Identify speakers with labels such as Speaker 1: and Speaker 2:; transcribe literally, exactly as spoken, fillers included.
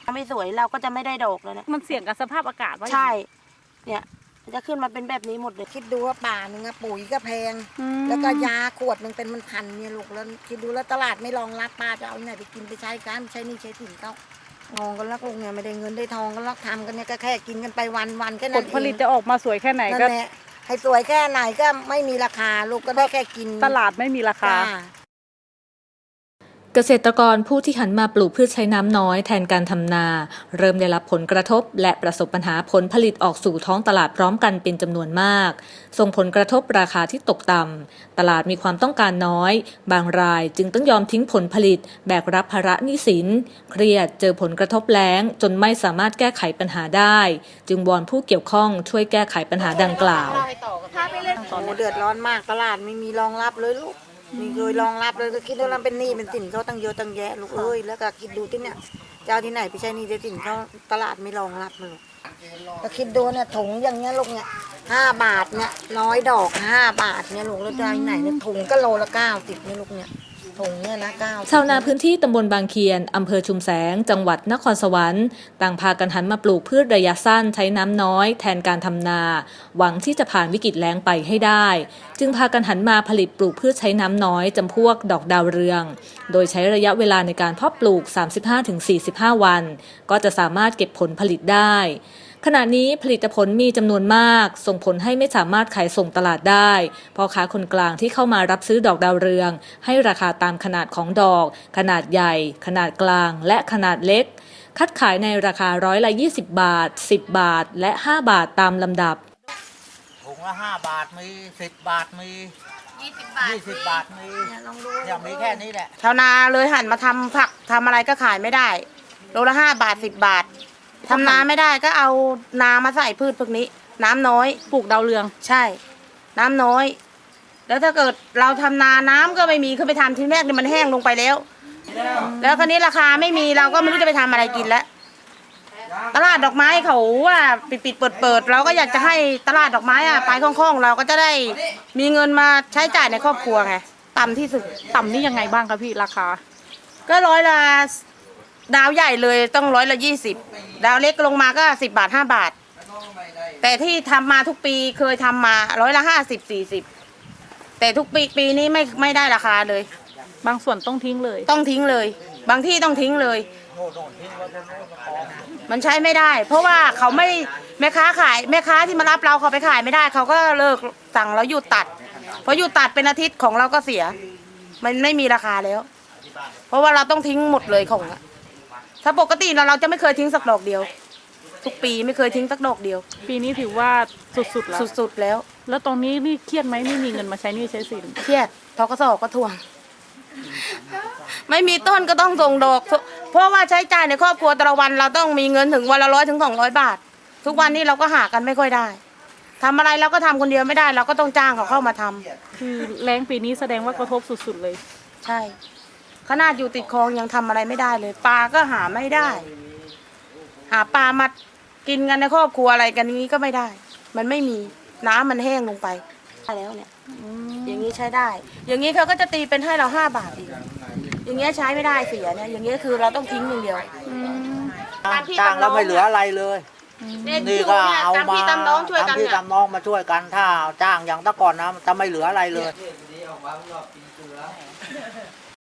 Speaker 1: ไม่สวยเราก็จะไม่ได้ดอกเลยนะ
Speaker 2: มันเสี่ยงกับสภาพอากาศว่า
Speaker 1: ใช่เนี่ยจะขึ้นมาเป็นแบบนี้หมดเลย
Speaker 3: คิดดูว่าป่าหนึ่งอะปุ๋ยก็แพงแล้วก็ยาขวดหนึ่งเป็นมันพันเนี่ยลูกแล้วคิดดูแล้วตลาดไม่รองรับป้าจะเอาไหนไปกินไปใช้กันใช้นี่ใช้ถิ่นเขางงกันลักลูกเนี่ยไม่ได้เงินได้ทองกันลักทำกันเนี่ยก็แค่กินกันไปวันวันแค่นั้น
Speaker 2: ผลผลิตจะออกมาสวยแค่ไหนก็
Speaker 3: นั่นแหละให้สวยแค่ไหนก็ไม่มีราคาลูกก็ได้แค่กิน
Speaker 2: ตลาดไม่มีราคา
Speaker 4: เกษตรกรผู้ที่หันมาปลูกพืชใช้น้ำน้อยแทนการทำนาเริ่มได้รับผลกระทบและประสบปัญหาผลผลิตออกสู่ท้องตลาดพร้อมกันเป็นจำนวนมากส่งผลกระทบราคาที่ตกต่ำตลาดมีความต้องการน้อยบางรายจึงต้องยอมทิ้งผลผลิตแบกรับภาระหนี้สินเครียดเจอผลกระทบแล้งจนไม่สามารถแก้ไขปัญหาได้จึงวอนผู้เกี่ยวข้องช่วยแก้ไขปัญหาดังกล่าว
Speaker 3: โอ้เดือดร้อนมากตลาดไม่มีรองรับเลยลูกมีเคยรองรับเลยก็คิดว่าเราเป็นหนี้เป็นสินเขาตั้งเยอะตั้งแยะลูกเอ้ยแล้วก็คิดดูที่เนี่ยเจ้าที่ไหนไปใช้หนี้ใช้สินเขาตลาดไม่รองรับมาลูกก็คิดดูเนี่ยถุงอย่างเงี้ยลูกเนี่ยห้าบาทเนี่ยน้อยดอกห้าบาทเนี่ยลูกแล้วเจ้าที่ไหนเนี่ยถุงก็โลละเก้าสิบเนี่ยลูกเนี่ยถุงเนี่ยนะเก้า
Speaker 4: ชาวนาพื้นที่ตำบลบางเคียนอำเภอชุมแสงจังหวัดนครสวรรค์ต่างพากันหันมาปลูกพืชระยะสั้นใช้น้ำน้อยแทนการทำนาหวังที่จะผ่านวิกฤตแล้งไปให้ได้จึงพากันหันมาผลิตปลูกพืชใช้น้ำน้อยจำพวกดอกดาวเรืองโดยใช้ระยะเวลาในการเพาะปลูก สามสิบห้าถึงสี่สิบห้า วันก็จะสามารถเก็บผลผลิตได้ขณะนี้ผลิตผลมีจำนวนมากส่งผลให้ไม่สามารถขายส่งตลาดได้พ่อค้าคนกลางที่เข้ามารับซื้อดอกดาวเรืองให้ราคาตามขนาดของดอกขนาดใหญ่ขนาดกลางและขนาดเล็กคัดขายในราคาร้อยละยี่สิบบาทสิบบาทและห้าบาทตามลำดับ
Speaker 5: ถุงละห้าบาทมีสิบบาทมียี่สิบบาทยี่สิบบาทมีอย่างมีแค่นี้แหละ
Speaker 1: ชาวนาเลยหันมาทำผักทำอะไรก็ขายไม่ได้โลละห้าบาทสิบบาททำนาไม่ได้ก็เอานามาใส่พืชพวกนี้น้ำน้อย
Speaker 2: ปลูกดาวเรือง
Speaker 1: ใช่น้ำน้อยแล้วถ้าเกิดเราทำนาน้ำก็ไม่มีขึ้นไปทำทีแรกเนี่ยมันแห้งลงไปแล้วแล้วคราวนี้ราคาไม่มีเราก็ไม่รู้จะไปทำอะไรกินแล้วตลาดดอกไม้เขาว่าปิดปิดเปิดเปิดเราก็อยากจะให้ตลาดดอกไม้อะไปคล่องๆเราก็จะได้มีเงินมาใช้จ่ายในครอบครัวไงต่ำที่สุด
Speaker 2: ต่ำนี่ยังไงบ้างคะพี่ราคา
Speaker 1: ก็ร้อยละดาวใหญ่เลยต้องร้อยละยี่สิบดาวเล็กลงมาก็สิบบาทห้าบาทแต่ที่ทำมาทุกปีเคยทำมาร้อยละห้าสิบสี่สิบแต่ทุกปีปีนี้ไม่ไม่ได้ราคาเลย
Speaker 2: บางส่วนต้องทิ้งเลย
Speaker 1: ต้องทิ้งเลยบางที่ต้องทิ้งเลยมันใช้ไม่ได้เพราะว่าเขาไม่แม่ค้าขายแม่ค้าที่มารับเราเขาไปขายไม่ได้เขาก็เลิกสั่งแล้วหยุดตัดพอหยุดตัดเป็นอาทิตย์ของเราก็เสียมันไม่มีราคาแล้วเพราะว่าเราต้องทิ้งหมดเลยของถ้าปกติเราเราจะไม่เคยทิ้งสักดอกเดียวทุกปีไม่เคยทิ้งสักดอกเดียว
Speaker 2: ปีนี้ถือว่าสุดๆแล้ว
Speaker 1: สุดๆแล้ว
Speaker 2: แล้วตรงนี้นี่เครียดไหมไม่มีเงินมาใช้หนี้ใช้สิน
Speaker 1: เครียดทกสก็ทวงไม่มีต้นก็ต้องส่งดอกเพราะว่าใช้จ่ายในครอบครัวแต่ละวันเราต้องมีเงินถึงวันละร้อยถึงสองร้อยบาททุกวันนี้เราก็หากันไม่ค่อยได้ทำอะไรเราก็ทำคนเดียวไม่ได้เราก็ต้องจ้างเขาเข้ามาทำ
Speaker 2: คือแรงปีนี้แสดงว่ากระทบสุดๆเลย
Speaker 1: ใช่ขนาดอยู่ติดคลองยังทำอะไรไม่ได้เลยปลาก็หาไม่ได้หาปลามากินกันในครอบครัวอะไรกันนี้ก็ไม่ได้มันไม่มีน้ำมันแห้งลงไปแล้วเนี่ยอย่างนี้ใช้ได้อย่างนี้เขาก็จะตีเป็นให้เราห้าบาทอีกอย่างเงี้ยใช้ไม่ได้เสียเนี่ยอย่างเงี้ยคือเราต้องทิ้งอย่างเดียว
Speaker 5: จ้างแล้วไม่เหลืออะไรเลยนี่ก็เอามาตามพี่ตามน้องมาช่วยกันถ้าจ้างอย่างตะก่อนนะจะไม่เหลืออะไรเลย